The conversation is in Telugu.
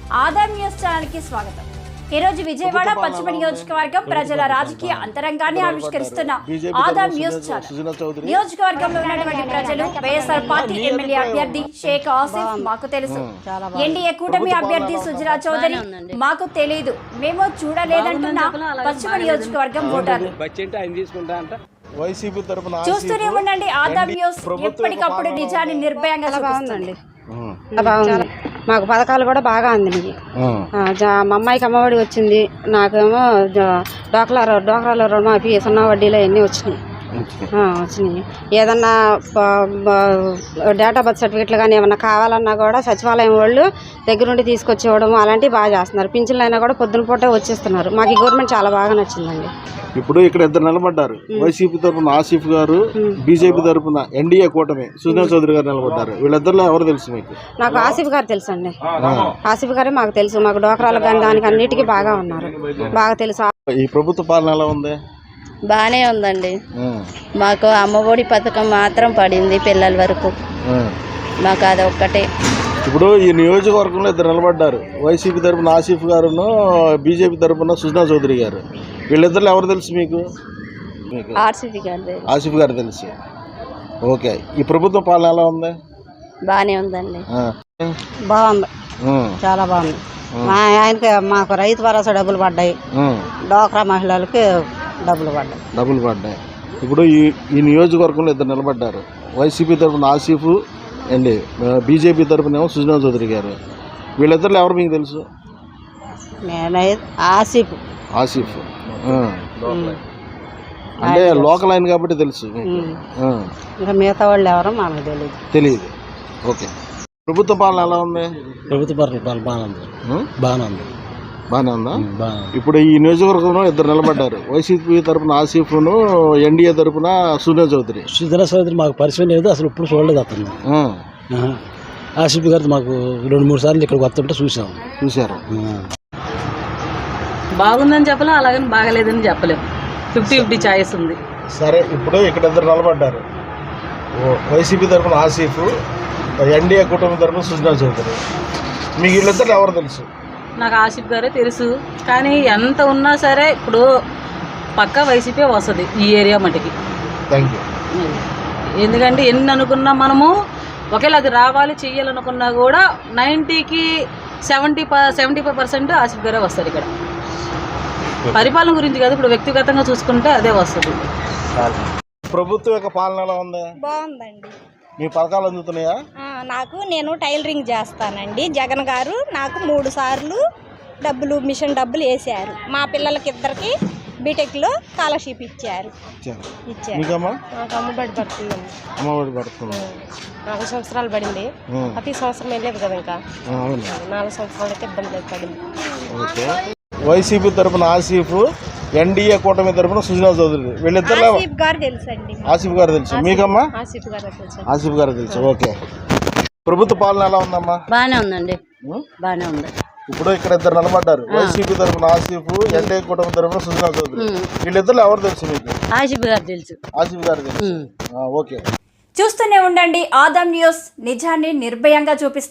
ఆదాం న్యూస్ ఛానల్ కి స్వాగతం. ఈ రోజు విజయవాడ పశ్చిమ నియోజకవర్గం ప్రజల రాజకీయ అంతరంగాన్ని ఆవిష్కరిస్తున్న ఆదాం న్యూస్ ఛానల్. నియోజకవర్గంలో ఉన్నటువంటి ప్రజలు వైఎస్ఆర్ పార్టీ ఎమ్మెల్యే అభ్యర్థి షేక్ ఆసిఫ్ మాకు తెలుసు, ఎన్డీఏ కూటమి అభ్యర్థి సుజనా చౌదరి మాకు తెలియదు, మేము చూడలేదంటున్న పశ్చిమ నియోజకవర్గం ఓటర్లు. చూస్తూనే ఉండండి ఆదాం న్యూస్, ఎప్పటికప్పుడు నిజాన్ని నిర్భయంగా చూపిస్తుంది. బాగుంది, మాకు పథకాలు కూడా బాగా అందినాయి. మా అమ్మాయికి అమ్మఒడి వచ్చింది, నాకేమో డోక్రాలో రుణమాఫీ, సున్నా వడ్డీలో అన్నీ వచ్చినాయి. ఏదన్నా డేటా బర్త్ సర్టిఫికెట్లు కానీ ఏమన్నా కావాలన్నా కూడా సచివాలయం వాళ్ళు దగ్గరుండి తీసుకొచ్చి ఇవ్వడం అలాంటివి బాగా చేస్తున్నారు. పింఛన్లు అయినా కూడా పొద్దున పూటే వచ్చేస్తున్నారు. మాకు ఈ గవర్నమెంట్ చాలా బాగా నచ్చిందండి. ఇప్పుడు ఇక్కడ ఇద్దరు నిలబడ్డారు, వైసీపీ తరఫున ఆసిఫ్ గారు, బీజేపీ తరఫున ఎన్డీఏ కూటమి సుజనా చౌదరి గారు నిలబడ్డారు. వీళ్ళిద్దరిలో ఎవరు తెలుసు మీకు? నాకు ఆసిఫ్ గారు తెలుసు అండి. ఆసిఫ్ గారే మాకు తెలుసు. మాకు డోక్రాలకు కానీ దానికి అన్నిటికీ బాగా ఉన్నారు, బాగా తెలుసు. ఈ ప్రభుత్వ పాలన ఎలా ఉంది? బానే ఉందండి. మాకు అమ్మఒడి పథకం మాత్రం పడింది పిల్లల వరకు, మాకు అది ఒక్కటే. ఇప్పుడు ఈ నియోజకవర్గంలో ఇద్దరు నిలబడ్డారు, వైసీపీ తరఫున ఆసిఫ్ గారును, బీజేపీ తరఫున సుజనా చౌదరి గారు. వీళ్ళిద్దరు ఎవరు తెలుసు మీకు? ఆసిఫ్ గారు తెలుసు. ఓకే, ఈ ప్రభుత్వ పాలన ఎలా ఉంది? బానే ఉందండి. బాగుంది, చాలా బాగుంది. ఆయనకి మాకు రైతు భరోసా డబ్బులు పడ్డాయి, డోక్రా మహిళలకి డబ్బులు పడ్డాయి. ఇప్పుడు ఈ నియోజకవర్గంలో ఇద్దరు నిలబడ్డారు, వైసీపీ తరఫున ఆసిఫ్ అండి, బీజేపీ తరఫున ఏమో సుజనా చౌదరి గారు. వీళ్ళిద్దరు ఎవరు మీకు తెలుసు? ఆసిఫ్ అంటే లోకల్ ఆయన కాబట్టి తెలుసు. ఇంకా మిగతా వాళ్ళు ఎవరో మనకు తెలియదు. ఓకే, ప్రభుత్వ పాలన ఎలా ఉంది? ప్రభుత్వ పాలన బాగానే ఉందా? ఇప్పుడు ఈ నియోజకవర్గంలో ఇద్దరు నిలబడ్డారు, వైసీపీ తరఫున ఆసిఫ్ను, ఎన్డీఏ తరఫున సుజనా చౌదరి. మాకు పరిచయం లేదు, అసలు ఇప్పుడు చూడలేదు అతను. ఆసిఫ్ గారు మాకు 2-3 సార్లు ఇక్కడికి వస్తుంటే చూసారు. బాగుందని చెప్పలేం, అలాగని బాగలేదని చెప్పలేం. 50-50 ఛాయిస్ ఉంది. సరే, ఇప్పుడు ఇక్కడ ఇద్దరు నిలబడ్డారు, వైసీపీ తరఫున ఆసిఫ్, ఎన్డీఏ కుటుంబం తరఫున సుజనా చౌదరి. మీకు వీళ్ళిద్దరు ఎవరు తెలుసు? నాకు ఆసిఫ్ గారే తెలుసు, కానీ ఎంత ఉన్నా సరే ఇప్పుడు పక్కా వైసీపీ వస్తుంది ఈ ఏరియా మటుకి. Thank you. ఎందుకంటే ఎన్ని అనుకున్నా మనము ఒకవేళ అది రావాలి చెయ్యాలనుకున్నా కూడా 90కి 75% ఆసిఫ్ గారే వస్తారు ఇక్కడ. పరిపాలన గురించి కాదు, ఇప్పుడు వ్యక్తిగతంగా చూసుకుంటే అదే వస్తుంది. ప్రభుత్వం యొక్క పాలన ఎలా ఉంది? బాగుందండి. మీ పథకాలు అందుతున్నాయా? నేను టైలరింగ్ చేస్తానండి. జగన్ గారు నాకు 3 సార్లు మిషన్ డబ్బులు వేసారు. మా పిల్లలకి ఇద్దరికి బీటెక్లో స్కాలర్షిప్ ఇచ్చారు. అమ్మఒడి పడుతుంది. 4 సంవత్సరాలు పడింది. ప్రతి సంవత్సరం వెళ్ళలేదు కదా, ఇంకా 4 సంవత్సరాలకి ఇబ్బంది పడింది. వైసీపీ తరఫున ఆసిఫ్, ఎన్డీఏ కూటమి తరఫున సుజనా చౌదరి. వీళ్ళిద్దరు ఆసిఫ్ గారు తెలుసు. మీకమ్మా? ఆసిఫ్ గారు తెలుసు. ఓకే, ప్రభుత్వ పాలన ఎలా ఉందమ్మా? బానే ఉందండి, బానే ఉంది. ఇప్పుడు ఇక్కడ ఇద్దరు నిలబడ్డారు, వైసీపీ తరఫున ఆసిఫ్, ఎన్డీఏ కూటమి తరఫున సుజనా చౌదరి. వీళ్ళిద్దరు ఎవరు తెలుసు మీకు? ఆసిఫ్ గారు తెలుసు. ఓకే, చూస్తూనే ఉండండి ఆదాం న్యూస్, నిజాన్ని నిర్భయంగా చూపిస్తుంది.